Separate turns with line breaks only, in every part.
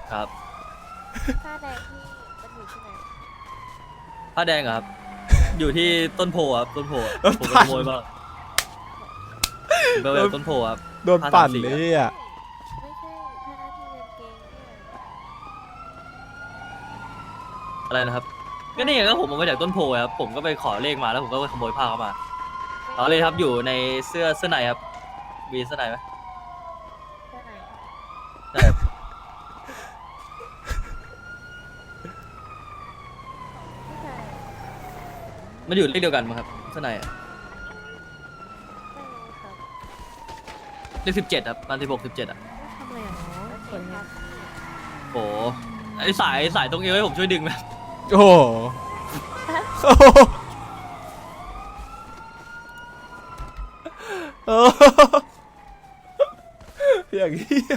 ครับ
ผ้าแดงที่มันอยู่ที่ไหน
ผ้าแดงอะครับ อยู่ที่ต้นโพครับต้นโพอะ
รถ
ผมไป
ปั่
ข
น
โมยมาผมไปเอาต้นโพครับ
โดนปั่น
534
เลยอ่ะ
ไม่ใช่ผ้าหน้าที่กางเกงเนี่ย
อะไรนะครับก็นี่ไงก็ผมเอามาจากต้นโพครับผมก็ไปขอเลขมาแล้วผมก็ไปขโมยผ้าเข้ามาต่อเลยครับอยู่ในเสื้อในครับมีเสื้อในไหม
เสื้อไหน
ใช่ครับ
ผู้ชาย
มันอยู่เลขเดียวกันมั้งครับเสื้อในอะ
ไม่รู้ครับ
เลข17ครับมัน16 17อ่ะ
ทำอะไรอ่ะเนาะสวยครับ
โอ้ไอสายตรงเอวให้ผมช่วยดึงไหม
โอ้โหโอ้โหโอ้โหอย่างเงี้ย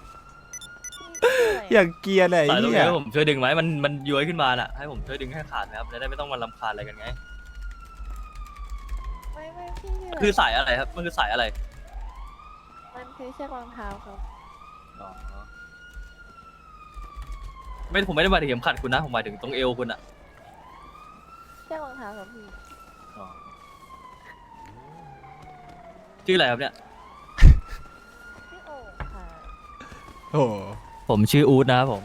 อย่างเกียร์เลย
สายตรง
เนี่
เอย วให้ผมช่วยดึงไหมมันย้วยขึ้นมาน่ะให้ผมช่วยดึงให้ขาดไหมครับจะได้ไม่ต้องมารำคาญอะไรกันไง
ไม่พี่ชื่อ
คือสายอะไรครับมันคือสายอะไร
มันคือเชือกรองเท้าครับ
อ๋อไม่ผมไม่ได้หมายถึงเข็มขัดคุณนะผมหมายถึงตรงเอวคุณอะ
เชือกรองเท้าครับพี่
อ๋อชื่ออะไรครับเนี่ย
พี่โอ่งค่ะ
โอ้โห
ผมชื่ออู๊ดนะครับผม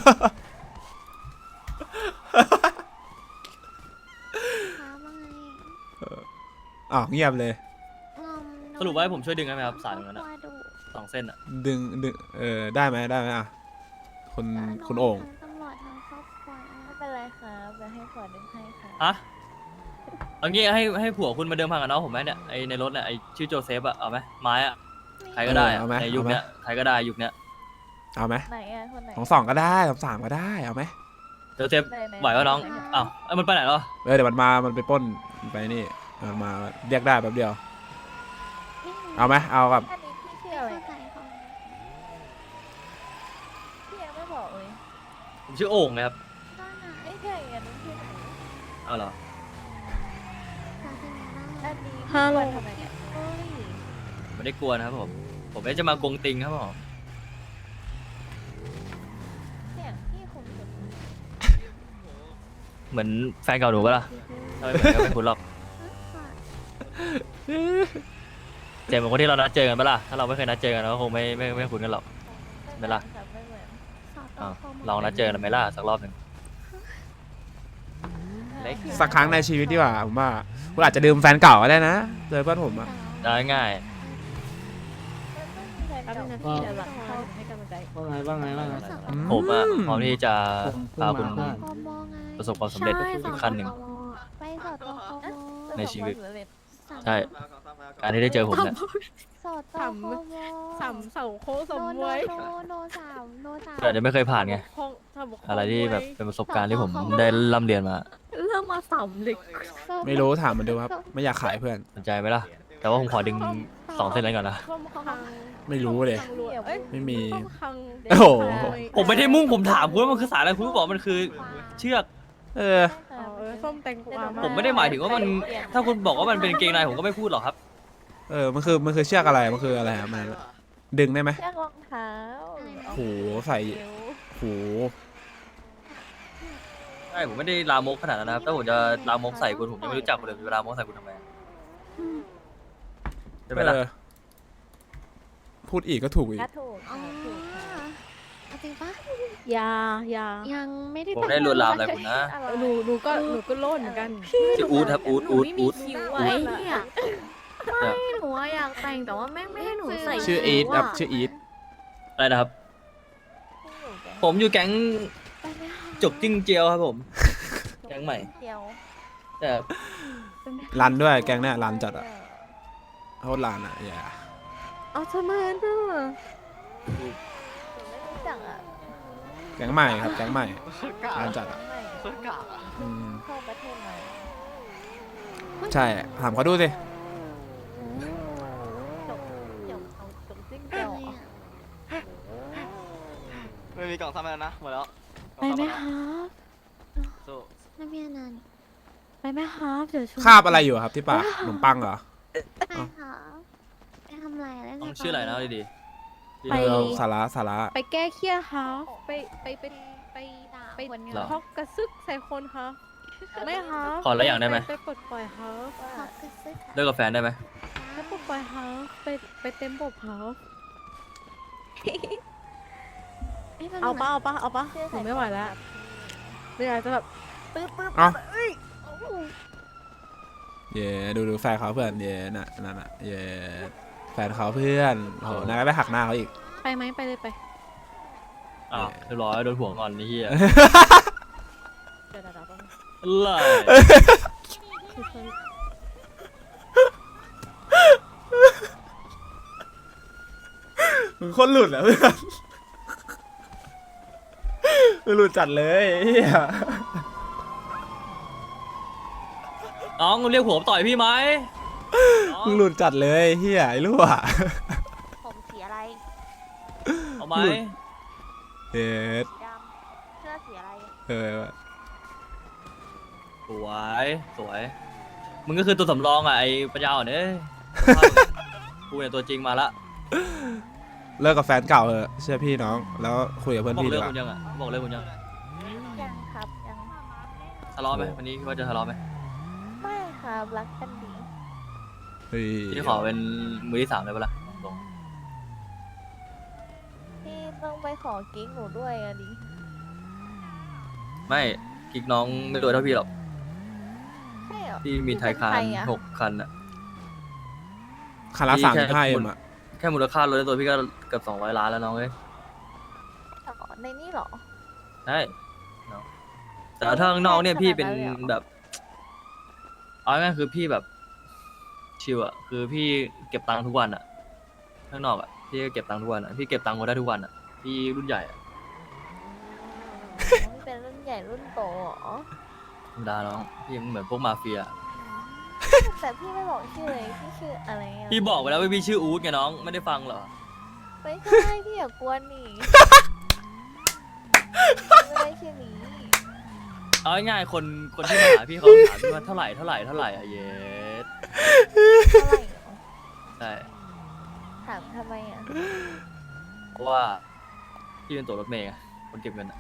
คะว่าไง
อ้าวเงียบเลย
สรุปว่าให้ผมช่วยดึงได้ไหมครับสายตรงนั้นอะ
ว่าดู
2 เส้นอะ
ดึงได้ไหมอ่ะคุณโอ่ง
ตำรวจทางครอบครัว
ไม่เป็นไรครับเดี๋ยวให้ขวดดึงให้ค่ะ
ฮะเอางี้ให้ผัวคุณมาเดิมพันกับน้องผมไหมเนี่ยไอในรถเนี่ยไอชื่อโจเซฟอะเอาไหมไม้อะใครก็ได้อะในยุคเนี้ยใครก็ได้ยุคเนี้ย
เอาไหม
ไหนอ่ะคนไหน
สองก็ได้สามก็ได้เอาไหม
โจเซฟไหววะน้องอ้าวเอ้ยมันไปไหนแล้ว
เดี๋ยวมันไปปล้นไปนี่มันมาเรียกได้แป๊บเดียวเอาไหมเอากับ
อันนี้พี่ชื่อ
ไม่
อะไร
เข้าใจเขา
พี่ยังไม่บอกเลย
ผมชื่อโอ่งนะครับ
บ้านไหน
ไม่ใช่อันนี้ชื่อไหน
เอาเหรอ
ศาสนา
อันนี้
ฮัลโหล
ทำไมเนี่ยเฮ้ย
ไม่ได้กลัวนะครับผมไม่ได้จะมากงติงครับผม
เสียงพี่คงจะ
เหมือนแฟนเก่าหนูปะล่ะทำไมเหมือนก็ไม่คุ้นหรอกเจมส์เป็นคนที่เรานัดเจอกันปะล่ะถ้าเราไม่เคยนัดเจอกันเราก็คงไม่คุ้นกันหรอก ไม่ล่ะ
ครับไม่เหมือน
สอบ
อ้าว
ข้อมู
ลองนัดเจอกันไหมล่ะสักรอบหนึ่ง เล็ก
สักครั้งในชีวิตดีกว่าผมว่าคุณอาจจะลืมแฟนเก่าก็ได้นะเจอเพื่อนผมอะ
ได้ง่าย
แป๊บนึงนะพี่เดี๋ยวหลังเข้าให้กำลังใจ
ว่าไง
ผมอะพร้อมที่จะพาคุณ
กมไง
ประสบความสำเร็จอีกขั้นหนึ่ง
ไปสอบตกม
ในชีวิต
สาม
ใช่ การที่ได้เจอผมเนี่ย
สอบตกม
สามเสาโค้งสม
โน
มวย
โนสามโนสาม
แต่จะไม่เคยผ่านไง
ห้องสามโค้ง
อะไรที่แบบเป็นประสบการณ์ที่ผมได้ร่ำเรียนมา
เริ่มมาสามเหล็ก
ไม่รู้ถามมันดูครับไม่อยากขายเพื่อน
สนใจไหมล่ะ แต่ว่าผมขอดึง2 เส้นนั้นก่อนนะ
ข้อมคัง
ไม่รู้เลย
คังรวยเอ้ย
ไม่มี
ข้อมคังเด็ก
โอ้โห
ชาย
ผมไม่ได้มุ่งผมถามคุณว่ามันคือสายอะไรคุณก็บอกมันคือเชือก
เออ
ส้มแตงกวา
ผมไม่ได้หมายถึงว่ามัน ถ้าคุณบอกว่ามันเป็นเกงในผมก็ไม่พูดหรอกครับ
มันคือเชือกอะไรมันคืออะไรครับมันดึงได้ไหม
เชือกรองเท้า
โหใส่โห
ใช่ผมไม่ได้ลามกขนาดนั้นนะครับถ้าผมจะลามกใส่คุณผมยังไม่รู้จักคุณเลยจะลามกใส่คุณทำไมใช่ไหมล่ะ
พูดอีกก็ถูกอีก
ถ้าถูก
อ๋อ
ถูกค่ะ
เอาจริงปะ
ยา
ยังไม่ได้
ผมไม่ได้ลวนลามอะไรคุณนะ
หนูก็โล่นเหมือนกัน
ชื่ออู๊ดครับอู๊ดอู๊ดอู๊ด
คิว
ไว้เนี่ยไม่หนูอยากแต่งแต่ว่าแม่งไม่ให้หนูใส่
ชื่ออีทครับชื่ออีท
อะไรนะครับ ผมอยู่แก๊งจกจิ้งเจียวครับผม แก๊งใหม่
เดียว
แต่
รันด้วยแกงเนี่ยรันจัดอะโคตรรันอะอย่า
เอาทำไมน่ะ
หนูไม่รู้จักอ่ะ
แกงใหม่ครับแกงใหม่รันจัดอะ
ไม่
อืม
เข้าประเทศใหม่
ใช่ถามเขาดูสิ
จบเอาจบจิ้งเดียวเหรอ
ไม่มีกล่องซ่อมแล้วนะหมดแล้ว
ไปไหมครับ
สู้
นักเรียนนั้น
ไปไหมครับเดี๋ยวชวน
คาบอะไรอยู่ครับที่ปากขนมปังเหรอ
ใช่ค่ะไปทำอะไรเล่น
ต้องชื่ออะไรนะดี
ไป
สาระสาระ
ไปแก้เครียดครับไป
ด่า
ไป
คนเนี่ย
หรอ
ฮอกกระซึกใส่คนครับไม่ครับ
ขออะไรอย่างได้ไหม
ไปปลดปล่อยครับ
ว่า
กระซึก
เลิกกับแฟนได้ไหม
ไปปลดปล่อยครับไปเต็มบบครับ เอาปะเอาปะ
ชื่อ
หนูไม่ไหวแล้วเดี๋ยวอาจจะแบบปึ๊บ
เอ้า
เอ้ย
เย่ดูแฟนเขาเพื่อนเย่น่ะนั่นน่ะเย่แฟนเขาเพื่อนโอ้โหนายก็ไปหักหน้าเขาอีก
ไปไหมไปเลยไป
อ้าวเรียบร้อยโดนหัวงอนนี่เฮีย
เดี๋ยวแป๊บนึง
อะไร
คือคน
มึงคนหลุดอ่ะเพื่อนมึงหลุดจัดเลยเฮีย
น้องเรียกผมต่อยพี่ไหมน้อง
มึงหลุดจัดเลยเฮียไอ้รั่ว
ผมสีอะไร
เอาไหม
หลุด เฮ็ด
สีดำเสื้อสีอะไร
สวยสวยมึงก็คือตัวสำรองอ่ะไอ้ปัญญาอ่อนเอ้ยกูเนี่ยตัวจริงมาละ
เลิกกับแฟนเก่าเหอะเชื่อพี่น้องแล้วคุยกับเพื่อน
บอก
พี่
เลิ
ดี
ก
กว่า
คุณยังอ่ะบอกเลิกคุณยัง
ยังครับยัง
ทะเลาะไหมวันนี้คิดว่าจะทะเลาะไหม
ไม่ครับรักกันดี
เฮ้ย
พี่ขอเป็นมือที่สามเลยปะล่ะตรง
พี่ต้องไปขอกิ๊กหนูด้วยอะดิ
ๆไม่กิ๊กน้องไม่รวยเท่าพี่หรอก
ใช่เหรอ
พี่มีไทยคาน
เป็นใอะ
6 คันอ่ะ
คารา
พี่
สาม
แค่
ห้าเอ็มอ่ะ
แค่มูลค่ารถในตัวพี่ก็เกือบ200 ล้านแล้วน้องเอ้ย
อ๋อในนี่เหรอ
ใช่เนาะแต่ถ้าข้างนอกเนี่ยพี่เป็น
ขนาดนั้นเลยเหรอ
แบบเอาง่ายๆคือพี่แบบชิลอ่ะคือพี่เก็บตังค์ทุกวันอ่ะข้างนอกอ่ะพี่ก็เก็บตังค์ทุกวันอ่ะพี่เก็บตังค์มาได้ทุกวันอ่ะพี่รุ่นใหญ่อ่ะ
พี่เป็นรุ่นใหญ่รุ่นโตเหรอ
ธรรมดาน้องพี่เหมือนพวกมาเฟีย
แต่พี่ไม่บอกชื่อเลยพี่ชื่ออะไรอะ
พี่บอกไปแล้วว่าพี่ชื่ออู๊ดไงน้องไม่ได้ฟังเหรอ
ไม่ใช่พี่อย่ากวนนี่ไม่ได้ชื่อนี้
เอาง่ายๆคนที่มาหาพี่เขาถามพี่ว่าเท่าไหร่อ่ะเยส
เท่าไหร่เหรอ
ใช่
ถามทำไมอ่ะ
เพราะว่าพี่เป็นตัวรถเมย์ไงคนเก็บเงินอ่ะ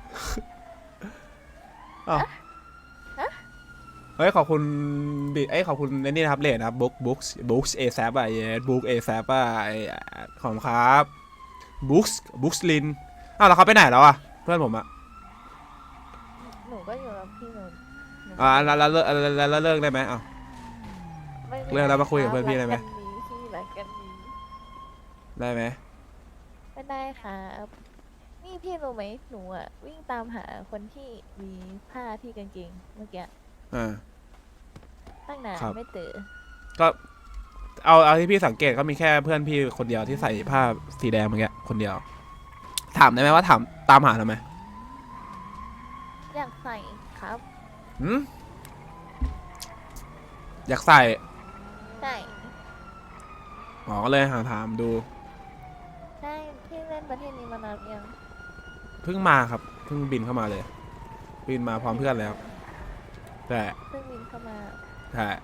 อ้าวเฮ้ยขอบคุณบิขอบคุณไอ้นี่นะครับเลนนะครับบุ๊กเอแซปอ่ะเย่บุ๊กเอแซปอ่ะขอบคุณครับบุ๊กลินอ้าวแล้วเขาไปไหนแล้วอ่ะเพื่อนผมอ่ะ
หนูก็อยู่กับพี่หนู
แล้วเลิกได้ไหมอ้าว
ไม่ป็น
เรื่องแล้วมาคุยกับเพื่อนพี่ได้ไหม
รักกันดีพี่รักกันดี
ได้ไหม
ไม่ได้ครับนี่พี่รู้ไหมหนูอ่ะวิ่งตามหาคนที่มีผ้าที่กางเกงเมื่อกี้ ตั้งนาน
ครับ
ไม่เจอ
ก็เอาที่พี่สังเกตก็มีแค่เพื่อนพี่คนเดียวที่ใส่ผ้าสีแดงเมื่อกี้คนเดียว ถามได้ไหมว่าตามหาทำไม
อยากใส่ครับ
หืมอยากใส่
ใช่
อ๋อก็เลยหาถามดู
ใช่พี่เล่นประเทศนี้มานานยัง
เพิ่งมาครับเพิ่งบินเข้ามาเลยบินมาพร้อมเพื่อนแล้วใช่
เพิ่งบินเข้ามา
ใช่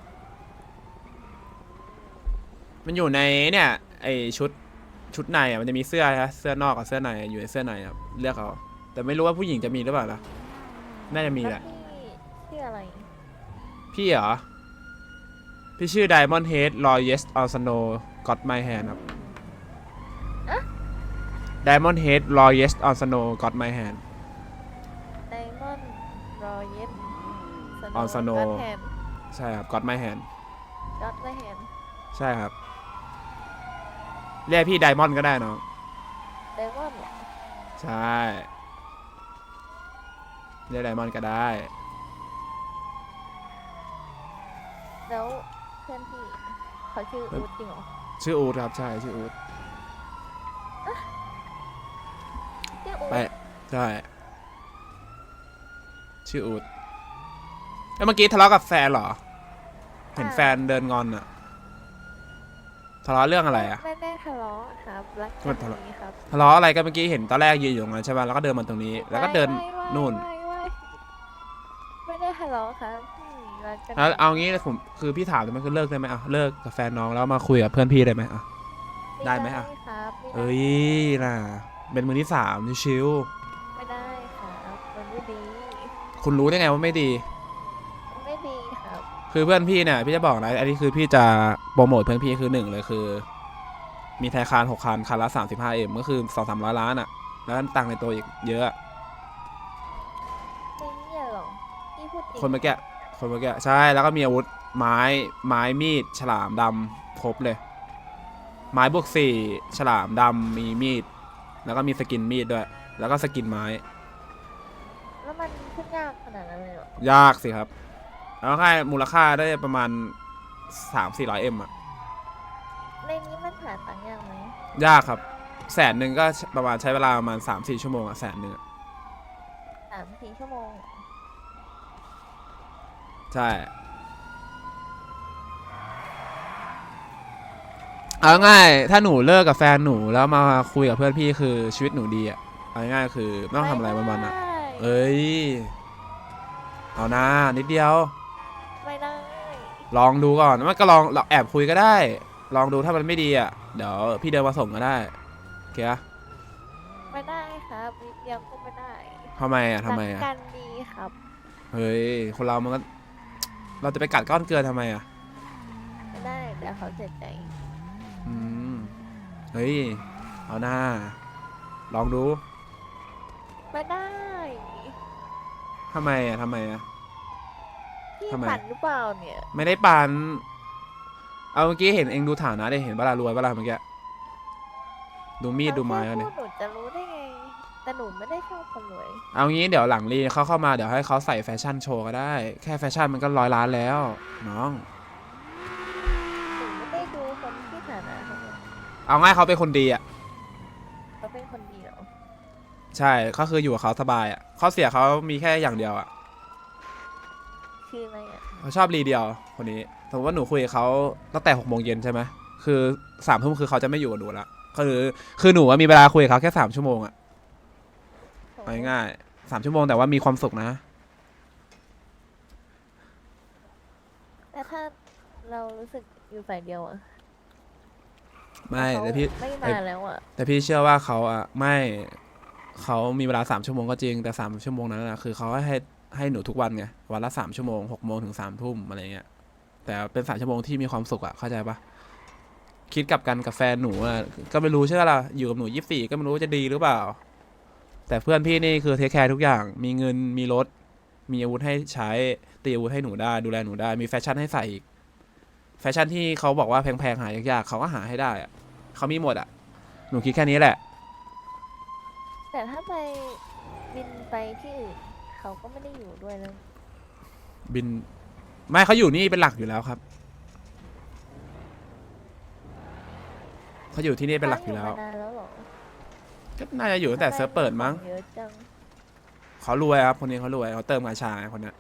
มันอยู่ในเนี่ยไอชุดในอ่ะมันจะมีเสื้อนะเสื้อนอกกับเสื้อในอยู่ในเสื้อในครับเลือกเอาแต่ไม่รู้ว่าผู้หญิงจะมีหรือเปล่านะน่าจะมี
แล้ว
แหละ
พี่ชื่ออะไร
พี่เหรอพี่ชื่อ Diamond Head Royest on Snow Got My Hand ครับ Diamond Head Royest on Snow Got My Hand
ไดมอนด์รอเย็บ
On Snow
แฮน
ใช่ครับ Got My Hand
ก็ไม่เห็น
ใช่ครับเรียกพี่ Diamond ก็ได้น้อง
ไดมอนด์เหรอ
ใช่เรียก Diamond ก็ได้
แล้วเพื่อนพี่เขาชื่ออูดจริงเหรอ
ชื่ออูดครับใช่ชื่ออูด
ชื่ออูด
ไปใช่ชื่ออูดแล้วเมื่อกี้ทะเลาะกับแฟนเหรอ เห็นแฟนเดินงอนอะทะเลาะเรื่องอะไรอะ
ไม่ได้ทะเลาะครับรัก
มั
กัน
ทะเลาะ
ดีครับ
ทะเลาะอะไรกันเมื่อกี้เห็นตอนแรกยืนอยู่ตรงนั้นใช่ไหมแล้วก็เดินมาตรงนี้ แล้วก็เดิน นู่น
ไม่ได้ทะเลาะครับพี่รักกัน
แล้วเอางี้ผมคือพี่ถามเลยมันคือเลิกได้ไหมอ่ะเลิกกับแฟนน้องแล้วมาคุยกับเพื่อนพี่ได้ไหมอ่ะ ได้ไหมอะ
ครับไม่
เอ้ยน่ะเป็นมือที่สามชิว
ไม่ได้ครับมันไม่ดี
ๆคุณรู้ได้ไงว่าไม่ดี
มันไม่ดีครับ
คือเพื่อนพี่เนี่ยพี่จะบอกนะอันนี้คือพี่จะโปรโมทเพื่อนพี่คือหนึ่งเลยคือ มีไทยคาน6 คันคันละ 35M ก็คือ200-300 ล้านอะแล้วตังค์ในตัวอีกเยอะ
ไม่เนี่ยหรอพี่พูดจริง
คนเมื่อกี้ใช่แล้วก็มีอาวุธไม้มีดฉลามดำครบเลย ไม้บวก4ฉลามดำมีมีดแล้วก็มีสกินมีดด้วย แล้วก็สกินไม้
แล้วมันขึ้นยากขนาดนั้นเลยเหรอย
ากสิครับแล้วค่ามูลค่าได้ประมาณ 300-400M อะ
ในนี้มันหาตังค์ยากไหม
ยากครับ100,000ก็ประมาณใช้เวลาประมาณ 3-4 ชั่วโมงอะ100,000อะ
3-4 ชั่วโมง
ใช่เอาง่ายถ้าหนูเลิกกับแฟนหนูแล้วมาคุยกับเพื่อนพี่คือชีวิตหนูดีอะเอาง่ายๆคือไม่ต้องทำอะไรวันๆอะ
ไม่ได้
เอ้ยเอานะนิดเดียว
ไม่ได้
ลองดูก่อนมันก็ลองเราแอบคุยก็ได้ ลองดูถ้ามันไม่ดีอะเดี๋ยวพี่เดินมาส่งก็ได้โอเคอะ
ไม่ได้ครับนิดเดียวก็ไม่ได้
ทำไมอะ
รักกันดีครับ
เฮ้ยคนเรามันก็เราจะไปกัดก้อนเกลือทำไมอะ
ไม่ได้เดี๋ยวเขาเสียใจ
อืมเฮ้ยเอาหน้าลองดู
ไม่ได้
ทำไมอะ
พี่
ทำไม
ปั่นหรือเปล่าเนี่ย
ไม่ได้ปันเอาเมื่อกี้เห็นเองดูฐานะได้เห็นเวลารวยเวลาเมื่อกี้ดูมีดดูไม้
เรา
แล้ว
แค่
เนี่ย
พูดหนูจะรู้ได้ไง แต่หนูไม่ได้ชอบคนรวย
เอางี้เดี๋ยวหลังรีเขาเข้ามาเดี๋ยวให้เขาใส่แฟชั่นโชว์ก็ได้ แค่แฟชั่นมันก็100 ล้านแล้วน้อง
หนูไม่ได้ดูคนที่ฐานะเขาเลย
เอาง่ายเขาเป็นคนดีอ่ะ
เขาเป็นคนดีเหรอ
ใช่ก็คืออยู่กับเขาสบายอ่ะข้อเสียเขามีแค่อย่างเดียวอ่ะ
คืออะไรอ่ะ
เขาชอบรีเดียวคนนี้สมมติว่าหนูคุยกับเขาตั้งแต่6 โมงเย็นใช่ไหมคือ3 ทุ่มคือเขาจะไม่อยู่กับหนูละคือหนูอะมีเวลาคุยกับเขาแค่3 ชั่วโมงอ่ะเอาง่ายๆ3 ชั่วโมงแต่ว่ามีความสุขนะ
แต่ถ้าเรารู้สึกอยู่ฝ่ายเดียวอ่ะ
ไม่
เขา
แต่พี่
ไม่มาแล้วอ่ะ
แต่พี่เชื่อว่าเขาอ่ะไม่เขามีเวลา3 ชั่วโมงก็จริงแต่3 ชั่วโมงนั้นนะคือเขาให้หนูทุกวันไงวันละ3 ชั่วโมง6 โมงถึง3 ทุ่มอะไรเงี้ยแต่เป็น3 ชั่วโมงที่มีความสุขอ่ะเข้าใจปะคิดกลับกันกับแฟนหนูอ่ะก็ไม่รู้ใช่ไหมล่ะอยู่กับหนู24ก็ไม่รู้ว่าจะดีหรือเปล่า แต่เพื่อนพี่นี่คือเทคแคร์ทุกอย่างมีเงินมีรถมีอาวุธให้ใช้ตีอาวุธให้หนูได้ดูแลหนูได้มีแฟชั่นให้ใส่อีกแฟชั่นที่เขาบอกว่าแพงๆหายากๆเขาก็หาให้ได้อ่ะเขามีหมดอ่ะหนูคิดแค่นี้แหละ
แต่ถ้าไปบินไปที่อื่นเขาก็ไม่ได้อยู่ด้วยแล้ว
บินไม่เขาอยู่นี่เป็นหลักอยู่แล้วครับเขาอยู่ที่นี่เป็นหลักอยู่แล้ว
มานานแล้วเหรอ
ก็น่าจะอยู่ตั้งแต่เซิร์ฟเปิดมั้ง
เยอะจัง
เขารวยครับคนนี้เขารวยเขาเติมกาชาไงคนเนี้ย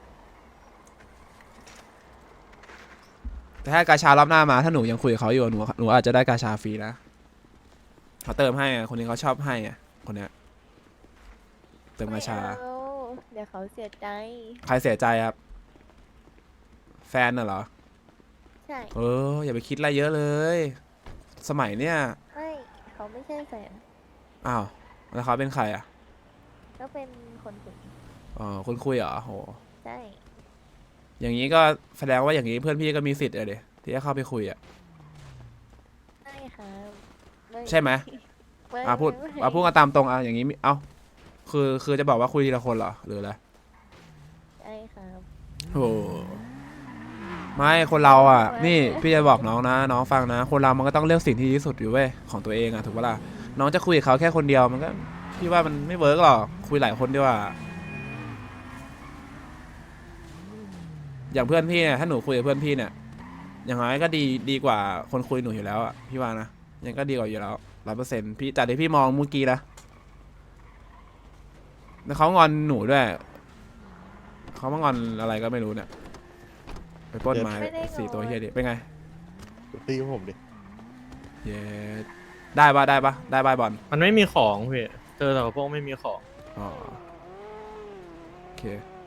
แต่ถ้ากาชารอบหน้ามาถ้าหนูยังคุยกับเขาอยู่หนูอาจจะได้กาชาฟรีนะเขาเติมให้อะคนนี้เขาชอบให้อะคนเนี้ยเติมกาชา
ไม่เอาเดี๋ยวเขาเสียใจ
ใครเสียใจครับแฟนน่ะเหรอ
ใช่
อย่าไปคิดอะไรเยอะเลย สมัยเนี้ย
ไม่เขาไม่ใช่แฟน
อ้าวแล้วเขาเป็นใครอ่ะ
ก็เป็นคนคุย
อ๋อคนคุยเหรอโห
ใช่
อย่างนี้ก็แสดงว่าอย่างนี้เพื่อนพี่ก็มีสิทธิ์เลยที่จะเข้าไปคุยอ่ะ
ใช่ครับ
ใช่ไหม
ไม่
พูด
ไม่
พูดกันตามตรงอย่างนี้คือจะบอกว่าคุยทีละคนเหรอหรืออะไร
ใช่ครับ
โอ้ไม่คนเราอ่ะ นี่พี่จะบอกน้องนะน้องฟังนะ คนเรามันก็ต้องเลือกสิ่งที่ดีที่สุดอยู่เว้ยของตัวเองอ่ะถูกปะล่ะน้องจะคุยกับเขาแค่คนเดียวมันก็พี่ว่ามันไม่เวิร์กหรอกคุยหลายคนดีกว่าอย่างเพื่อนพี่เนี่ยถ้าหนูคุยกับเพื่อนพี่เนี่ยอย่างน้อยก็ดีกว่าคนคุยหนูอยู่แล้วอ่ะพี่ว่านะยังก็ดีกว่าอยู่แล้ว100%พี่จากที่พี่มองเมื่อกี้นะแล้วเขางอนหนูด้วยเขามางอนอะไรก็ไม่รู้เนี่ยไปปล้นไม้4 ตัวเฮียดิเป็นไง
ตีกับผมดิ
เย้ได้ปะได้บอล
มันไม่มีของพี่เจอแต่กับพวกไม่มีของ
อ๋อโอเค